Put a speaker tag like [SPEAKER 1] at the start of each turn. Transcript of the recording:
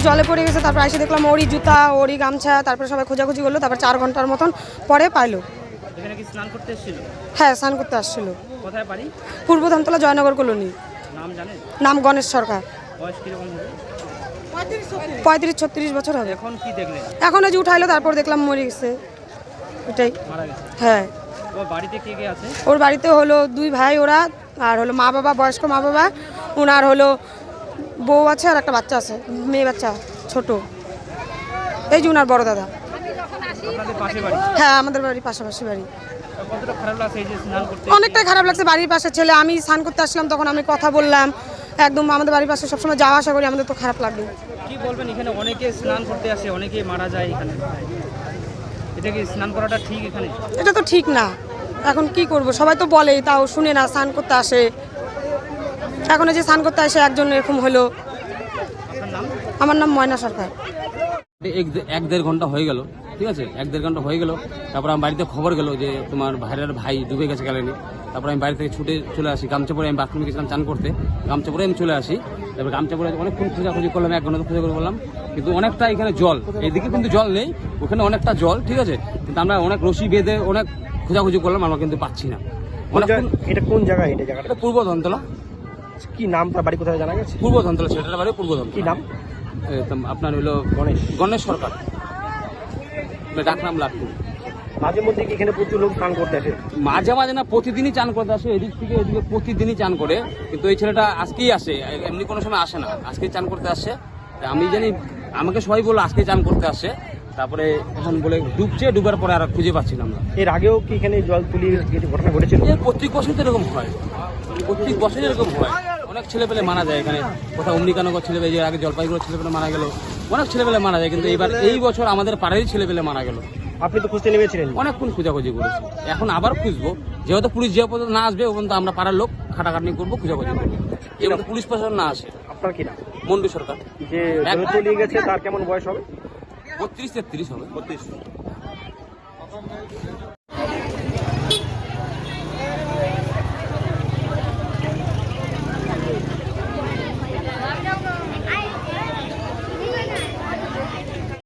[SPEAKER 1] জলে পড়ে গেছে। তারপর এসে দেখলাম ওরই জুতা, ওরই গামছা, তারপরে সবাই খোঁজাখুঁজি করলো। তারপর 4 ঘন্টার মতন পরে পাইলো।
[SPEAKER 2] এখানে কি স্নান করতে এসেছিল?
[SPEAKER 1] হ্যাঁ, স্নান করতে আসছিল।
[SPEAKER 2] কোথায় বাড়ি?
[SPEAKER 1] পূর্ব ধামতলা, জয়নগর কলোনি।
[SPEAKER 2] নাম জানেন?
[SPEAKER 1] নাম গণেশ সরকার।
[SPEAKER 2] বয়স কিরকম হবে?
[SPEAKER 1] 35-36 বছর হবে।
[SPEAKER 2] এখন কি দেখলেন?
[SPEAKER 1] এখন ওই যে উঠাইলো, তারপর দেখলাম মরে গেছে। এটাই।
[SPEAKER 2] মারা গেছে?
[SPEAKER 1] হ্যাঁ।
[SPEAKER 2] ওর বাড়িতে কে কে আছে?
[SPEAKER 1] ওর বাড়িতে হলো 2 ভাই ওরা, আর হলো মা বাবা, বয়স্ক মা বাবা, ওনার হলো বউ আছে আর একটা বাচ্চা আছে, মেয়ে বাচ্চা ছোট। এই যে ওনার বড় দাদা।
[SPEAKER 2] আপনাদের পাশে বাড়ি?
[SPEAKER 1] হ্যাঁ, আমাদের বাড়ির পাশাপাশি বাড়ি।
[SPEAKER 2] কতটা খারাপ লাগছে এই যে স্নান করতে?
[SPEAKER 1] অনেকটাই খারাপ লাগছে। বাড়ির পাশে ছেলে, আমি স্নান করতে আসলাম, তখন আমি কথা বললাম। একদম আমাদের বাড়ির পাশে সবসময় যাওয়া আসা করি, আমাদের তো খারাপ লাগবে।
[SPEAKER 2] কি বলবেন, এখানে অনেকে স্নান করতে আসে, অনেকে মারা যায় এখানে, এটা কি স্নান করাটা ঠিক এখানে?
[SPEAKER 1] এটা তো ঠিক না। এখন কি করব, সবাই তো বলে, তাও শুনে না, স্নান করতে আসে। এখন এই যে স্নান করতে আসে একজন এরকম হলো।
[SPEAKER 2] আপনার নাম?
[SPEAKER 1] আমার নাম ময়না সরকার।
[SPEAKER 3] 1-1.5 ঘন্টা হয়ে গেল, ঠিক আছে, 1-1.5 ঘন্টা হয়ে গেল। তারপর আমি বাড়িতে খবর গেল যে তোমার ভাইয়ের ভাই ডুবে গেছে গেলেনি। তারপর আমি বাড়ি থেকে ছুটে চলে আসি, গামছা পরে আমি বাথরুমে গেছিলাম চান করতে, গামছা পরে আমি চলে আসি। তারপর গামছা পরে অনেকক্ষণ খোঁজাখুঁজি করলাম, 1 ঘন্টা খোঁজা করে বললাম, কিন্তু অনেকটা এখানে জল, এইদিকে কিন্তু জল নেই, ওখানে অনেকটা জল, ঠিক আছে, কিন্তু আমরা অনেক রশি বেঁধে অনেক খোঁজাখুঁজি করলাম, আমরা কিন্তু পাচ্ছি না।
[SPEAKER 4] এটা কোন জায়গা? এটা জায়গাটা
[SPEAKER 3] এটা পূর্ব ধনতলা।
[SPEAKER 4] কি নাম, তার বাড়ি কোথায় জানা গেছে?
[SPEAKER 3] পূর্ব ধনতলা, সেটার বাড়ি পূর্ব ধনতলা।
[SPEAKER 4] কি নাম?
[SPEAKER 3] আপনার হলো গণেশ সরকার, ডাকনাম লাট্টু।
[SPEAKER 4] মাঝে মধ্যে কি এখানে প্রচুর লোক স্নান করতে আসে?
[SPEAKER 3] মাঝে মাঝে না, প্রতিদিনই চান করতে আসে, এদিক থেকে এদিকে প্রতিদিনই চান করে, কিন্তু এই ছেলেটা আজকেই আসে, এমনি কোনো সময় আসে না, আজকেই চান করতে আসছে। আমি জানি, আমাকে সবাই বললো আজকেই চান করতে আসছে, তারপরে এখন বলে ডুবছে, ডুবার পরে আর খুঁজে পাচ্ছিলাম না।
[SPEAKER 4] এর আগেও কি এখানে জল তুলিয়ে কিছু ঘটনা ঘটেছিল?
[SPEAKER 3] প্রত্যেক বছর তো এরকম হয়, প্রত্যেক বছরই এরকম হয়। অনেক ছেলেপেলে মারা যায় এখানে, কোথাও অমনিকানগর ছেলেপেলে, আগে জলপাইগুড়ির ছেলেপেলে মারা গেল, অনেক ছেলেপেলে মারা যায়, কিন্তু এই বছর আমাদের পাড়ারই ছেলেপেলে মারা গেল।
[SPEAKER 4] আপনি তো খুঁজতে নেমেছিলেন?
[SPEAKER 3] অনেকক্ষণ খোঁজাখুঁজি করেছি, এখন আবার খুঁজবো, যেহেতু পুলিশ যে পর্যন্ত না আসবে ও পর্যন্ত আমরা পাড়ার লোক খাটাখাটনি করবো, খোঁজাখুঁজি করবো, যেহেতু পুলিশ প্রশাসন না আসে।
[SPEAKER 4] আপনার কি নাম?
[SPEAKER 3] মন্ডু সরকার।
[SPEAKER 4] যে জলে তলিয়ে গেছে তার কেমন বয়স হবে?
[SPEAKER 3] 32-33 হবে।
[SPEAKER 4] 32।